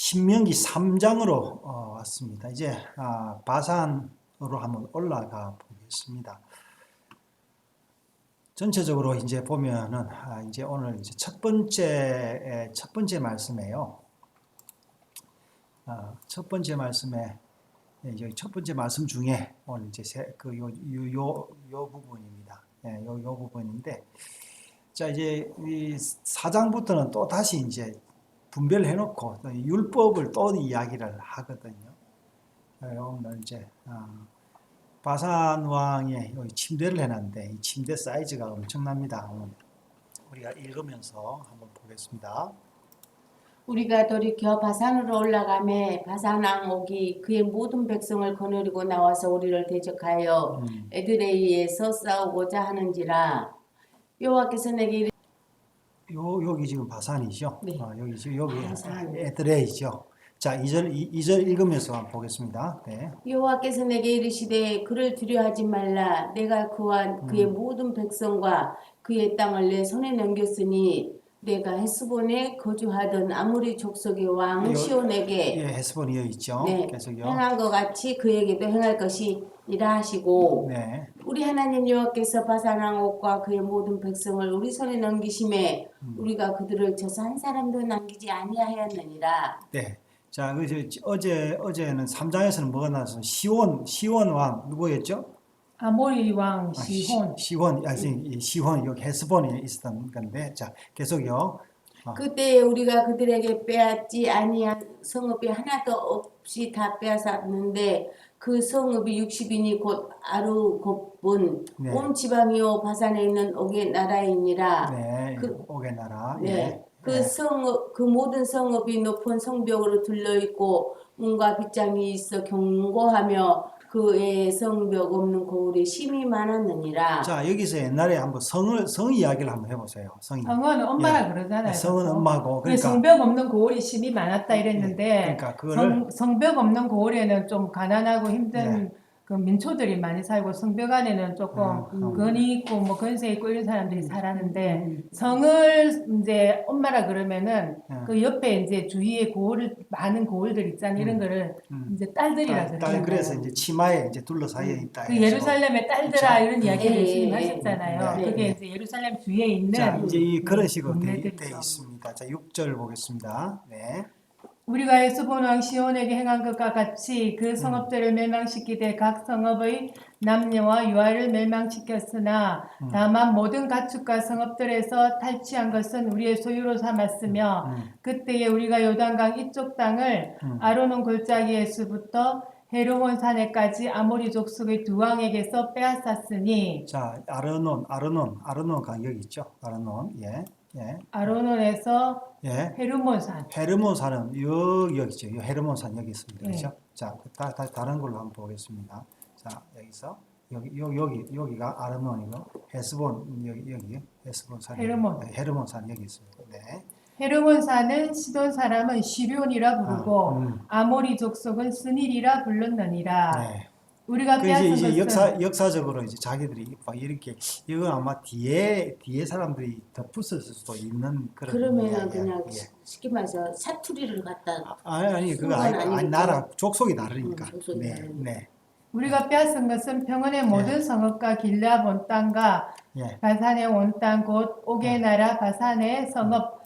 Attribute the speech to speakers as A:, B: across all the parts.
A: 신명기 3장으로 왔습니다. 이제 바산으로 한번 올라가 보겠습니다. 전체적으로 이제 보면은 이제 오늘 이제 첫 번째 말씀이에요. 첫 번째 말씀에 이제 첫 번째 말씀 중에 오늘 이제 요 부분입니다. 요 부분인데, 자 이제 이 4장부터는 또 다시 이제 분별해 놓고 율법을 또 이야기를 하거든요. 오늘 이제 바산 왕의 여기 침대를 해놨는데 이 침대 사이즈가 엄청납니다. 우리가 읽으면서 한번 보겠습니다.
B: 우리가 돌이켜 바산으로 올라가매 바산 왕 옥이 그의 모든 백성을 거느리고 나와서 우리를 대적하여 에드레이에서 싸우고자 하는지라. 여호와께서 내게
A: 여기 지금 바산이죠.
B: 네.
A: 여기
B: 바산.
A: 에드레이죠. 자, 2절 읽으면서 한번 보겠습니다. 네.
B: 여호와께서 내게 이르시되 그를 두려워하지 말라. 내가 그와 그의 모든 백성과 그의 땅을 내 손에 넘겼으니 내가 헤스본에 거주하던 아모리 족속의 왕 시온에게
A: 헤스본이 여기 있죠.
B: 네,
A: 계속요.
B: 행한 것 같이 그에게도 행할 것이니라 하시고,
A: 네.
B: 우리 하나님 여호와께서 바산 왕 옥과 그의 모든 백성을 우리 손에 넘기심에 우리가 그들을 저서 한 사람도 남기지 아니하였느니라.
A: 네. 자, 어제는 3장에서는 뭐가 나왔어요? 시온 왕 누구였죠?
C: 아모리 왕 시혼.
A: 시혼 여기 헤스본이 있었던 건데, 자 계속요.
B: 그때 우리가 그들에게 빼앗지 아니한 성읍이 하나도 없이 다 빼앗았는데 그 성읍이 60인이 곧 아루곱은
A: 네.
B: 온 지방이요 바산에 있는 옥의 나라이니라.
A: 네, 옥의 나라.
B: 네.
A: 예.
B: 그 성읍, 그 모든 성읍이 높은 성벽으로 둘러 있고 문과 빗장이 있어 견고하며 그의 성벽 없는 고을이 심히 많았느니라.
A: 자, 여기서 옛날에 한번 성 이야기를 한번 해보세요.
C: 성은 엄마라 그러잖아요.
A: 성은 엄마고, 그러니까
C: 성벽 없는 고을이 심이 많았다 이랬는데,
A: 그러니까 그거를
C: 성벽 없는 고을에는 좀 가난하고 힘든 그 민초들이 많이 살고, 성벽 안에는 조금 건이 있고 뭐 건세 있고 이런 사람들이 살았는데, 성을 이제 엄마라 그러면은 그 옆에 이제 주위에 많은 고을들 있잖아요. 이런 거를 이제 딸들이라 그러잖아요.
A: 그래서 이제 치마에 이제 둘러싸여 있다.
C: 그 예루살렘의 딸들아 이런 이야기를
B: 예,
C: 예수님
B: 예,
C: 하셨잖아요.
B: 네,
C: 그게
B: 네.
C: 이제 예루살렘 주위에 있는
A: 자, 이제 그런 식으로 돼
C: 동네들이죠.
A: 있습니다. 자, 6절 보겠습니다. 네.
C: 우리가 헤스본 왕 시온에게 행한 것과 같이 그 성읍들을 멸망시키되 각 성읍의 남녀와 유아를 멸망시켰으나 다만 모든 가축과 성읍들에서 탈취한 것은 우리의 소유로 삼았으며 그때에 우리가 요단강 이쪽 땅을 아르논 골짜기에서부터 헤르몬 산에까지 아모리 족속의 두 왕에게서 빼앗았으니.
A: 자, 아르논 강 여기 있죠. 아르논. 예.
C: 아르논에서
A: 예.
C: 헤르몬산.
A: 헤르몬산은 여기죠. 헤르몬산 여기 있습니다.
C: 네.
A: 그렇죠? 자, 다른 걸로 한번 보겠습니다. 자, 여기서 여기가 아르논이고 헤스본 여기 헤스본산. 헤르몬산 여기 있습니다. 네.
C: 헤르몬산은 시돈 사람은 시륜이라 부르고 아모리 족속은 스닐이라 불렀느니라.
A: 네.
C: 우리가
A: 그
C: 빼앗은
A: 이제
C: 것은
A: 역사적으로 이제 자기들이 막 이렇게 이건 아마 뒤에 사람들이 덧붙였을 수도 있는 그런
B: 그러면
A: 이야기야.
B: 그냥
A: 예.
B: 쉽게 말해서 사투리를 갖다
A: 아니 그거
B: 그건
A: 아니
B: 아니겠죠.
A: 나라 족속이 다르니까.
B: 족속이
A: 네,
B: 다르니까.
A: 네.
C: 우리가 빼앗은 것은 평원의 모든 성읍과 길라 온 땅과
A: 예.
C: 바산의 온 땅 곧 옥의 나라 바산의 성읍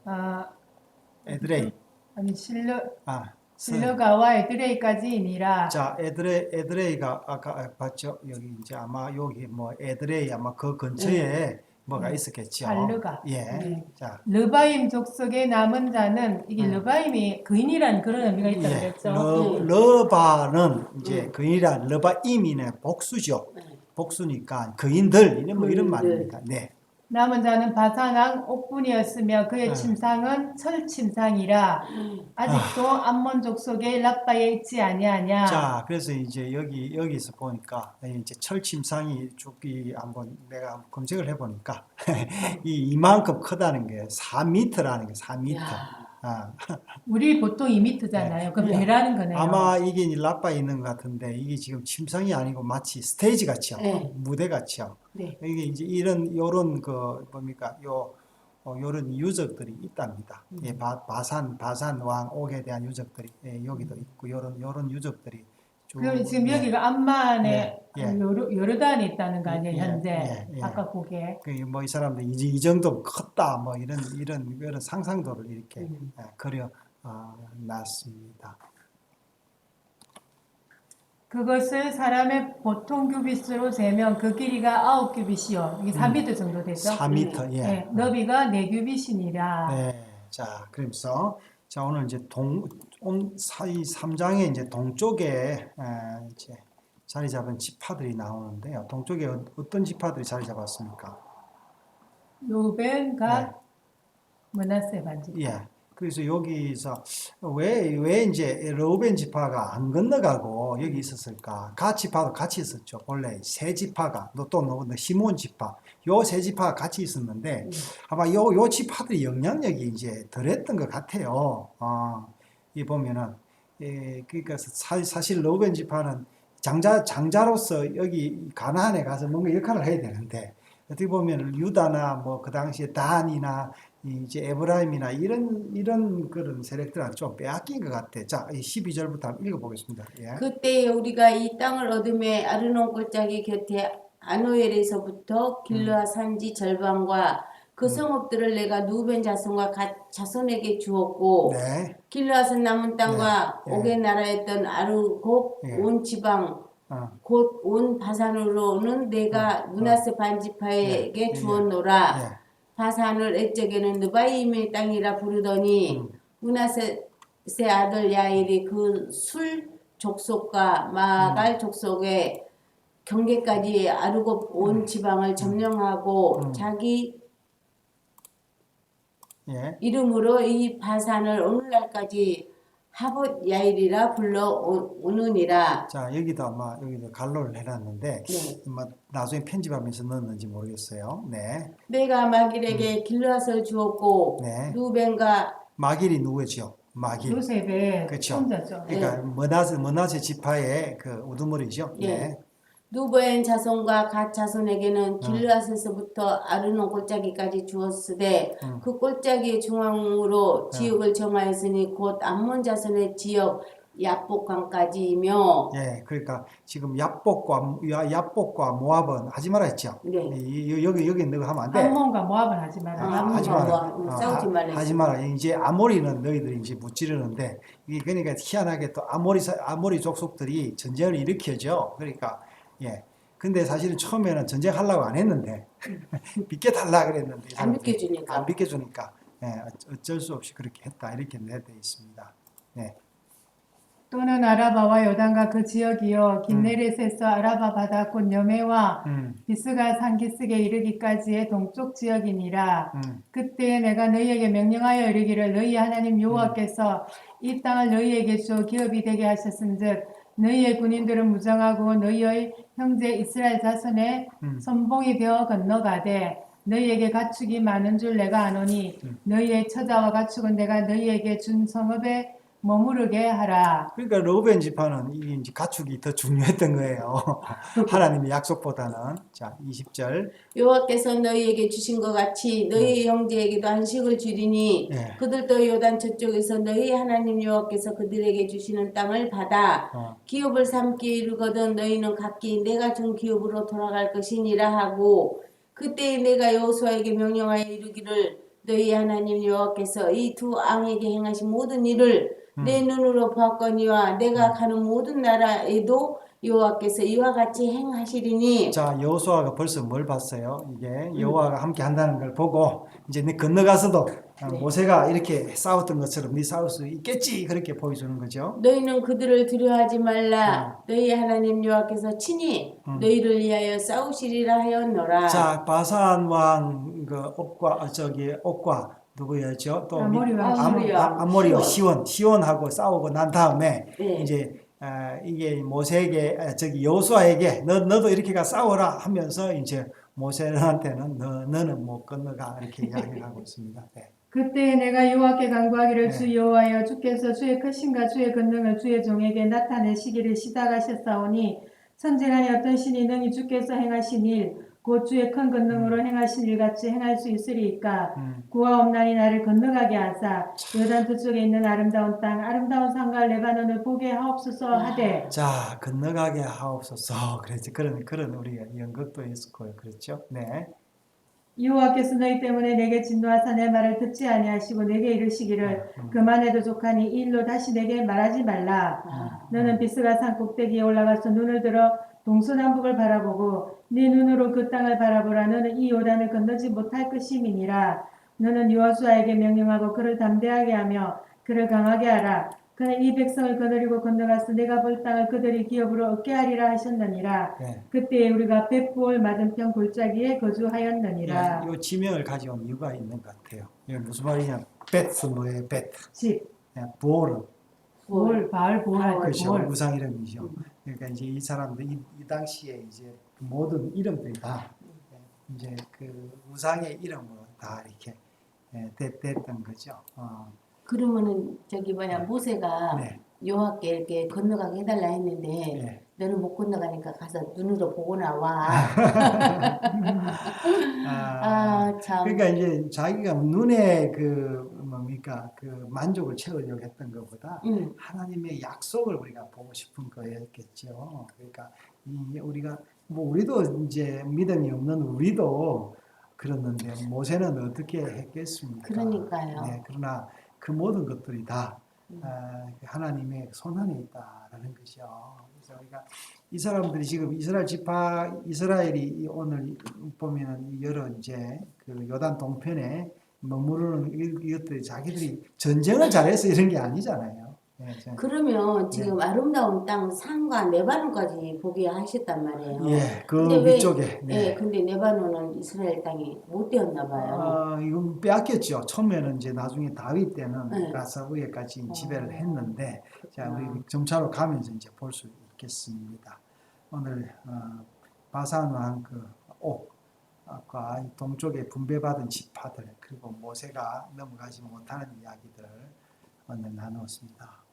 A: 에드레이.
C: 아니
A: 아,
C: 실러가와 에드레이까지이니라.
A: 자, 에드레이가 아까 봤죠? 여기 이제 아마 여기 뭐 에드레이 아마 그 근처에 뭐가 있었겠죠.
C: 발르가.
A: 예.
C: 네.
A: 자,
C: 르바임 족속의 남은 자는 이게 르바임이 거인이라는 그런 의미가 있다
A: 예.
C: 그랬죠.
A: 러바는 이제 거인이란 러바임이네 복수죠.
B: 네.
A: 복수니까 거인들 이런 뭐 이런
B: 거인들.
A: 말입니다. 네.
C: 남은 자는 바산왕 옥분이었으며 그의 침상은 철침상이라. 아직도 암몬 족속의 랍바에 있지 아니하냐.
A: 자, 그래서 이제 여기서 보니까 이제 철침상이 쭉이 한번 내가 한번 검색을 해보니까 이만큼 크다는 게 4m라는 게 4m.
B: 야.
C: 우리 보통 2m잖아요. 그 배라는 거네요.
A: 아마 이게 라빠에 있는 것 같은데 이게 지금 침상이 아니고 마치 스테이지 같이요.
B: 네.
A: 무대 같이요.
B: 네.
A: 이게 이제 요런 그 뭡니까 이런 유적들이 있답니다. 예, 바산 왕 옥에 대한 유적들이 여기도 있고 요런 유적들이 쭉
C: 그럼 지금 여기가 암만에
A: 예, 예.
C: 요르단에 있다는 거 아니에요,
A: 예,
C: 현재?
A: 예, 예.
C: 아까 그게.
A: 이 사람들 이 정도 컸다 뭐 이런 상상도를 이렇게 그려 놨습니다.
C: 그것을 사람의 보통 규빗으로 재면 그 길이가 9규빗이요. 이게 4m 정도 되죠?
A: 4m 예.
C: 네, 너비가 4규빗이니라.
A: 네. 자, 그래서 자 오늘 이제 이 3장에 이제 동쪽에 이제 자리 잡은 지파들이 나오는데요. 동쪽에 어떤 지파들이 자리 잡았습니까?
C: 루벤,
A: 네.
C: 갓, 므낫세 반지.
A: 예. 그래서 여기서 왜 이제 르우벤 지파가 안 건너가고 여기 있었을까? 갓 지파도 같이 있었죠. 본래 세 지파가 또 시몬 지파 요 세 지파가 같이 있었는데 아마 요 지파들이 영향력이 이제 덜했던 것 같아요. 이 보면은 그러니까 사실 르우벤 지파는 장자로서 여기 가나안에 가서 뭔가 역할을 해야 되는데 어떻게 보면 유다나 뭐 그 당시에 단이나 이제 에브라임이나 이런 그런 세력들한테 좀 빼앗긴 것 같아. 자, 12절부터 한번 읽어보겠습니다. 예.
B: 그때 우리가 이 땅을 얻음에 아르논 골짜기 곁에 아노엘에서부터 길르아 산지 절반과 그 성읍들을 내가 누벤 자손과 갓 자손에게 주었고
A: 네.
B: 길르앗은 남은 땅과
A: 네.
B: 옥의 나라였던 아르곱
A: 예.
B: 온 지방
A: 어,
B: 곧 온 바산으로는 내가 므낫세 반지파에게
A: 예.
B: 주었노라.
A: 예.
B: 바산을 옛적에는 느바임의 땅이라 부르더니 므낫세 아들 야일이 그 술 족속과 마갈 족속의 경계까지 아르곱 온 지방을 점령하고 자기
A: 예.
B: 이름으로 이 바산을 오늘날까지 하봇 야일이라 불러 오느니라.
A: 자, 여기도 갈로를 해놨는데
B: 네.
A: 뭐 나중에 편집하면서 넣었는지 모르겠어요. 네.
B: 내가 마길에게 길르앗을 주었고
A: 네.
B: 루벤과
A: 마길이 누구죠? 마길.
C: 요셉의
A: 그렇죠.
C: 손자죠.
A: 그러니까 머나세 지파의 그 우두머리죠.
B: 예.
A: 네.
B: 누벤 자손과 갓 자손에게는 길르앗에서부터 아르논 골짜기까지 주었으되 그 골짜기의 중앙으로 지역을 정하였으니 곧 암몬 자손의 지역 야복강까지이며
A: 예, 그러니까 지금 야복과 모압은 하지 말아 했죠.
B: 네.
A: 여기 너가 하면 안 돼.
C: 암몬과 모압은 하지 마라.
A: 하지
B: 암몬과
A: 마라.
B: 모압 싸우지 말라.
A: 하지 마라. 이제 아모리는 너희들이 이제 무찌르는데 이게 그러니까 희한하게 또 아모리 족속들이 전쟁을 일으켜죠. 그러니까 예. 근데 사실은 처음에는 전쟁하려고 안 했는데 비켜달라 그랬는데 이
B: 안
A: 사람들이
B: 비켜주니까.
A: 안 비켜주니까 예, 어쩔 수 없이 그렇게 했다 이렇게 내되어 있습니다. 네.
C: 또는 아라바와 요단과 그 지역이요 긴네렛에서 아라바 바다 곧 여메와 비스가 산기슭에 이르기까지의 동쪽 지역이니라. 그때 내가 너희에게 명령하여 이르기를 너희 하나님 여호와께서 이 땅을 너희에게 주어 기업이 되게 하셨은즉 너희의 군인들은 무장하고 너희의 형제 이스라엘 자손의 선봉이 되어 건너가되 너희에게 가축이 많은 줄 내가 아노니 너희의 처자와 가축은 내가 너희에게 준 성읍에 머무르게 하라.
A: 그러니까 르우벤 지파는 이 이제 가축이 더 중요했던 거예요. 하나님의 약속보다는. 자, 20절.
B: 여호와께서 너희에게 주신 것 같이 너희 형제에게도 안식을 주리니
A: 예.
B: 그들도 요단 저쪽에서 너희 하나님 여호와께서 그들에게 주시는 땅을 받아 기업을 삼게 이르거든 너희는 각기 내가 준 기업으로 돌아갈 것이니라 하고 그때 내가 여호수아에게 명령하여 이르기를 너희 하나님 여호와께서 이 두 왕에게 행하신 모든 일을 내 눈으로 보았거니와 내가 가는 모든 나라에도 여호와께서 이와 같이 행하시리니.
A: 자, 여호수아가 벌써 뭘 봤어요? 이게 여호와가 함께 한다는 걸 보고 이제 네 건너가서도
B: 네.
A: 모세가 이렇게 싸웠던 것처럼 네 싸울 수 있겠지 그렇게 보여주는 거죠.
B: 너희는 그들을 두려워하지 말라. 너희 하나님 여호와께서 친히 너희를 위하여 싸우시리라 하였노라.
A: 자, 바산 왕 그 옥과 누구였죠? 또
C: 아모리 왕
A: 아모리와 시온하고 싸우고 난 다음에
B: 네.
A: 이제 이게 모세에게 여호수아에게 너도 이렇게 가 싸워라 하면서 이제 모세한테는 너는 못 건너가 이렇게 이야기를 하고 있습니다. 네.
C: 그때 내가 여호와께 간구하기를
A: 네.
C: 주 여호와여 주께서 주의 크신과 주의 권능을 주의 종에게 나타내시기를 시작하셨사오니 천지간에 어떤 신이 능히 주께서 행하신 일 곧 주의 큰 권능으로 행하신 일같이 행할 수 있으리이까
A: 음.
C: 구와 없나니 나를 건너가게 하사 요단 저쪽에 있는 아름다운 땅 아름다운 산과 레바논을 보게 하옵소서 하되
A: 자, 건너가게 하옵소서. 그랬지. 그런 우리가 연극도 있었고요. 그렇죠? 네.
C: 여호와께서 너희 때문에 내게 진노하사 내 말을 듣지 아니하시고 내게 이르시기를 그만해도 족하니 이 일로 다시 내게 말하지 말라. 너는 비스가 산 꼭대기에 올라가서 눈을 들어 동서남북을 바라보고 네 눈으로 그 땅을 바라보라. 너는 이 요단을 건너지 못할 것임이니라. 너는 여호수아에게 명령하고 그를 담대하게 하며 그를 강하게 하라. 그는 이 백성을 거느리고 건너가서 내가 볼 땅을 그들이 기업으로 얻게 하리라 하셨느니라.
A: 네.
C: 그때 우리가 벳부올 맞은편 골짜기에
A: 예,
C: 거주하였느니라.
A: 이 지명을 가져온 이유가 있는 것 같아요. 이게 무슨 말이냐? 베트 뭐예요? 베트.
C: 집,
A: 보르.
C: 볼, 바알, 볼,
A: 그렇죠.
C: 볼.
A: 우상 이름이죠. 그러니까 이제 이 사람들 이 당시에 이제 모든 이름들이 다 이제 그 우상의 이름으로 다 이렇게 됐던 거죠.
B: 그러면은 저기 뭐냐 모세가
A: 네.
B: 여호와께 이렇게 건너가게 해달라 했는데
A: 네.
B: 너는 못 건너가니까 가서 눈으로 보고 나와. 아, 참.
A: 그러니까 이제 자기가 눈에 그 뭡니까 그 만족을 채우려고 했던 것보다 하나님의 약속을 우리가 보고 싶은 거였겠죠. 그러니까 우리가 뭐 우리도 이제 믿음이 없는 우리도 그랬는데 모세는 어떻게 했겠습니까?
B: 그러니까요.
A: 네, 그러나 그 모든 것들이 다 하나님의 손 안에 있다라는 것이요. 그래서 우리가 이 사람들이 지금 이스라엘이 오늘 보면은 여러 이제 그 요단 동편에 머무르는 이것들이 자기들이 전쟁을 잘해서 이런 게 아니잖아요.
B: 그러면 지금 아름다운 땅 산과 레바논까지 보게 하셨단 말이에요.
A: 예, 그
B: 근데 왜-
A: 위쪽에. 네.
B: 예, 근데 레바논은 이스라엘 땅이 못 되었나 봐요.
A: 이건 빼앗겼죠. 처음에는 이제 나중에 다윗 때는
B: 네.
A: 가서 위에까지 지배를 했는데, 자,
B: 그렇구나.
A: 우리 점차로 가면서 이제 볼 수 있겠습니다. 오늘 바산 왕 그 옥과 동쪽에 분배받은 지파들 그리고 모세가 넘어가지 못하는 이야기들을 오늘 나누었습니다.